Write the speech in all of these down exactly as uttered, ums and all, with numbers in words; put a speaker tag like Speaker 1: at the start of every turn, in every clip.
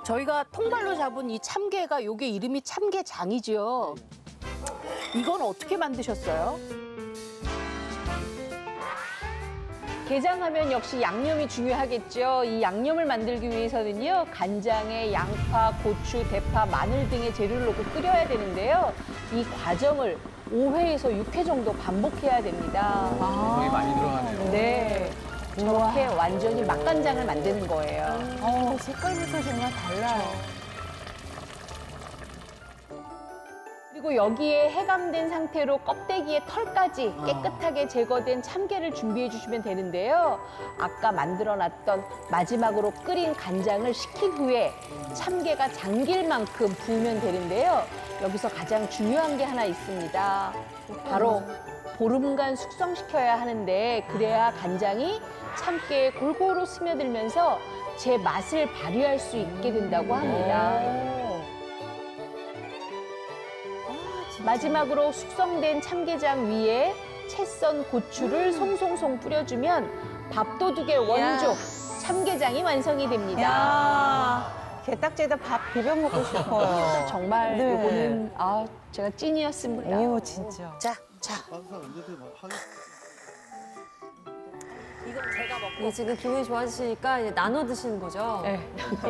Speaker 1: 저희가 통발로 잡은 이 참게가 요게 이름이 참게장이죠. 이건 어떻게 만드셨어요?
Speaker 2: 게장하면 역시 양념이 중요하겠죠. 이 양념을 만들기 위해서는요, 간장에 양파, 고추, 대파, 마늘 등의 재료를 넣고 끓여야 되는데요. 이 과정을 오 회에서 육 회 정도 반복해야 됩니다.
Speaker 3: 정성이 많이 들어가네요.
Speaker 2: 네. 저렇게 완전히 맛간장을 만드는 거예요.
Speaker 4: 어, 색깔부터 정말 달라요.
Speaker 2: 그리고 여기에 해감된 상태로 껍데기의 털까지 깨끗하게 제거된 참게를 준비해 주시면 되는데요. 아까 만들어놨던 마지막으로 끓인 간장을 식힌 후에 참게가 잠길 만큼 부으면 되는데요. 여기서 가장 중요한 게 하나 있습니다. 바로 보름간 숙성시켜야 하는데 그래야 간장이 참깨에 골고루 스며들면서 제 맛을 발휘할 수 있게 된다고 합니다. 마지막으로 숙성된 참게장 위에 채 썬 고추를 송송송 뿌려주면 밥도둑의 원조 참게장이 완성이 됩니다.
Speaker 4: 야, 게딱지에다 밥 비벼 먹고 싶어요.
Speaker 2: 정말
Speaker 4: 네.
Speaker 2: 이거는 아 제가 찐이었습니다.
Speaker 4: 이거 진짜.
Speaker 1: 자, 자.
Speaker 5: 이게 지금 기분이 좋아지시니까 이제 나눠 드시는 거죠?
Speaker 2: 네.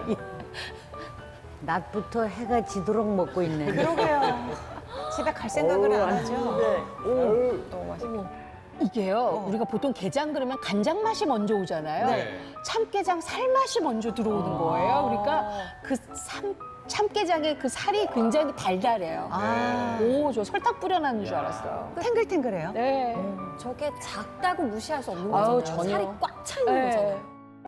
Speaker 6: 낮부터 해가 지도록 먹고 있네.
Speaker 4: 그러게요. 집에 갈 생각을 안 하죠.
Speaker 2: 너무 맛있고. 이게요, 우리가 보통 게장 그러면 간장 맛이 먼저 오잖아요.
Speaker 3: 네.
Speaker 2: 참게장 살 맛이 먼저 들어오는 거예요. 그러니까 그 참, 참게장의 그 살이 굉장히 달달해요.
Speaker 4: 아.
Speaker 2: 오, 저 설탕 뿌려놨는 줄 알았어요.
Speaker 4: 탱글탱글해요.
Speaker 2: 네.
Speaker 5: 저게 작다고 무시할 수 없는
Speaker 2: 아유,
Speaker 5: 거잖아요.
Speaker 2: 전혀.
Speaker 5: 살이 꽉 차 있는
Speaker 2: 네.
Speaker 5: 거잖아요.